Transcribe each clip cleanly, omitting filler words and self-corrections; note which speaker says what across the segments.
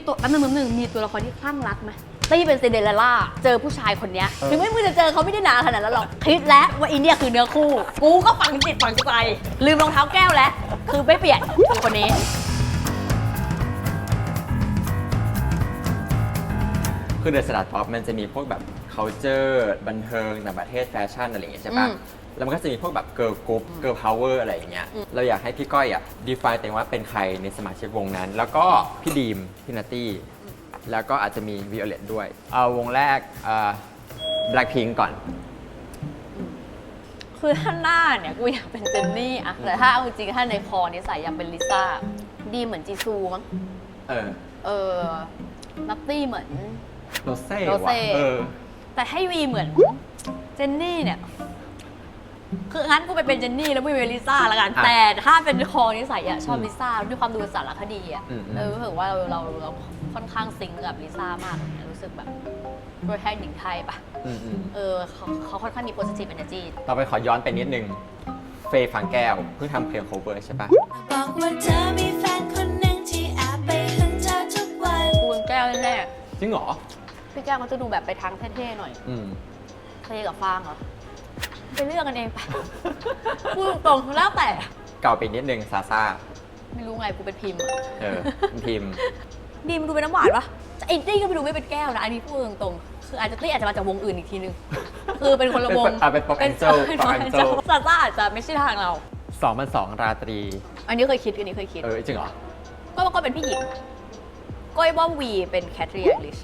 Speaker 1: ตัวแป๊บนึงมีตัวละครที่คลั่งรักไหมตี้เป็นซินเดอเรลล่าเจอผู้ชายคนนี้ถึงไม่มึงจะเจอเขาไม่ได้นานขนาดนั้นหรอกคิดแล้วว่าอินเดียคือเนื้อคู่กูก็ฝังจิตฝังใจลืมรองเท้าแก้วแล้วคือไม่เปลี่ยนคือคนนี้
Speaker 2: คือเดอะสตาร์ทป๊อปมันจะมีพวกแบบ culture บันเทิงต่างประเทศแฟชั่นอะไรอย่างเงี้ยใช่ปะแล้วมันก็จะมีพวกแบบ girl group girl power อะไรอย่างเงี้ยเราอยากให้พี่ก้อยอ่ะ define ตัวเองว่าเป็นใครในสมาชิกวงนั้น แล้วก็พี่ดีมพี่นัตตี้แล้วก็อาจจะมีวิโอเลตด้วยเอาวงแรกBlackpink ก่อน
Speaker 1: คือถ้าหน้าเนี่ยกูอยากเป็นเจนนี่อะแต่ถ้าเอาจริงๆถ้าในคอนิสัยอยากเป็นลิซ่าดีเหมือนจีซูมั้งนัตตี้เหมือน
Speaker 2: โรเซ่
Speaker 1: แต่ให้วีเหมือนเจนนี่เนี่ยคืองั้นกูไปเป็นเจนนี่แล้วไม่เป็นลิซ่าละกันแต่ถ้าเป็นคอนิสัยอะชอบลิซ่าด้วยความดูสารคดีอะรู้สึกว่าเราค่อนข้างซิงกับลิซ่ามากรู้สึกแบบโดยแท้หญิงไทยปะเขาค่อนข้างมี positive energy
Speaker 2: ต่อไปขอย้อนไปนิดนึงเฟย์ฟางแก้วเพิ่งทำเพลง cover ใช่ปะ
Speaker 3: บอกว่าเธอมีแฟนคนหนึ่งที่แอบไปหึงเธอทุกวัน
Speaker 1: กูเป็นแก้วแน่
Speaker 2: จริงเหรอ
Speaker 1: พี่แก้วเขาจะดูแบบไปทางเท่ๆหน่อยเท่กับฟางเหรอไปเลือกกันเองไปพูดตรงๆแล้วแต่
Speaker 2: เก่าไปนิดนึงซาซ่า
Speaker 1: ไม่รู้ไงกูเป็นพิมพ์
Speaker 2: พิมพ์
Speaker 1: ดีมดูเป็นน้ำหวานปะไอ้ตี้ก็ไปดูไม่เป็นแก้วนะอันนี้พูดตรงๆคืออาจจะตี้อาจจะมาจากวงอื่นอีกทีนึงคือเป็นคนละวง
Speaker 2: เป็นป๊อปแองเจิล
Speaker 1: ซาซ่าอาจจะไม่ใช่ทางเรา
Speaker 2: 2 ราตรี
Speaker 1: อันนี้เคยคิดจ
Speaker 2: ริงเหรอ
Speaker 1: ก็เป็นพี่หญิงก้อยว่าวีเป็นแคทรีนลิช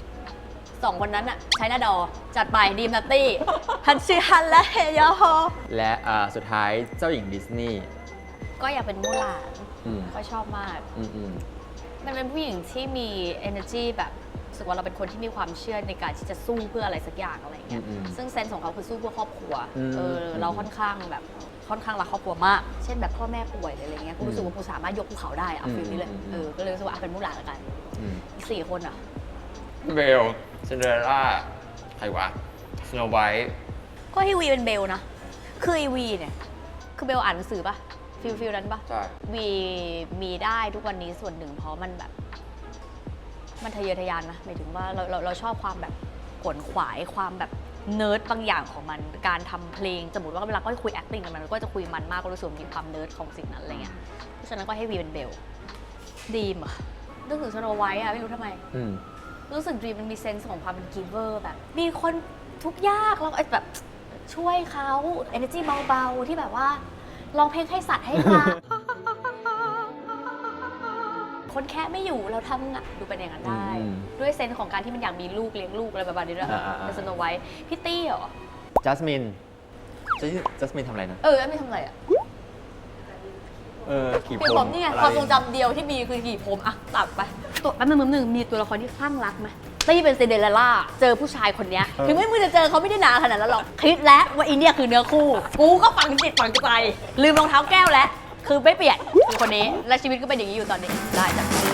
Speaker 1: 2คนนั้นอะใช้หน้าดอจัดไปดีมนัตตี้ฮันชิฮันและเฮยอฮอ
Speaker 2: และสุดท้ายเจ้าหญิงดิสนีย์
Speaker 1: ก็อยากเป็นมูหลานก็ชอบมากมันเป็นผู้หญิงที่มี energy แบบรู้สึกว่าเราเป็นคนที่มีความเชื่อในการที่จะสู้เพื่ออะไรสักอย่างอะไรเงี้ยซึ่งเซนส์ของเขาคือสู้เพื่อครอบครัวเราค่อนข้างรักครอบครัวมากเช่นแบบพ่อแม่ป่วยอะไรเงี้ยกูรู้สึกว่ากูสามารถยกภูเขาได้อะฟิลนี้เลยก็เลยรู้สึกว่าเป็นมูหลานละกันอีก4 คนอะ
Speaker 2: เบลซินเดอเรลล่าใครวะสโนว์ไวท์
Speaker 1: ก็ให้วีเป็นเบลนะคือไอวีเนี่ยคือเบลอ่านหนังสือปะฟิลนั้นปะ
Speaker 2: ใช่
Speaker 1: วีมีได้ทุกวันนี้ส่วนหนึ่งเพราะมันแบบมันทะเยอทะยานนะหมายถึงว่าเราชอบความแบบขวนขวายความแบบเนิร์ดบางอย่างของมันการทำเพลงสมมติว่าเวลาก็คุย acting กันมันก็จะคุยมันมากก็รู้สึกมีความเนิร์ดของสิ่งนั้นอะไรเงี้ยเพราะฉะนั้นก็ให้วีเป็นเบลดีมอะนึกถึงสโนว์ไวท์อะไม่รู้ทำไมรู้สึกดีมันมีเซนส์ของความเป็นกิฟเวอร์แบบมีคนทุกข์ยากแล้วแบบช่วยเขา energy เบาๆที่แบบว่าร้องเพลงให้สัตว์ให้ปลาคนแค่ไม่อยู่เราทำดูเป็นอย่างนั้นได้ด้วยเซนส์ของการที่มันอยากมีลูกเลี้ยงลูกอะไรประมาณนี้ด้วยเป็นสโนว์ไวท์พี่ตี้เหรอ
Speaker 2: จัสมินทำอะไรนะ
Speaker 1: ไม่ทำอะไรอะ
Speaker 2: ขี่
Speaker 1: ผมนี่ไงความทรงจำเดียวที่มีคือขี่ผมอะตัดไปตัวแป๊บนึงมีตัวละครที่คลั่งรักไหมตี้เป็นซินเดอเรลล่าเจอผู้ชายคนนี้ถึงไม่มึงจะเจอเขาไม่ได้นานขนาดนั้นหรอกคิดแล้วว่าอินเดียคือเนื้อคู่กูก็ฝังจิตฝังใจลืมรองเท้าแก้วแล้วคือไม่เปลี่ยนคือคนนี้และชีวิตก็เป็นอย่างนี้อยู่ตอนนี้ได้จ้ะ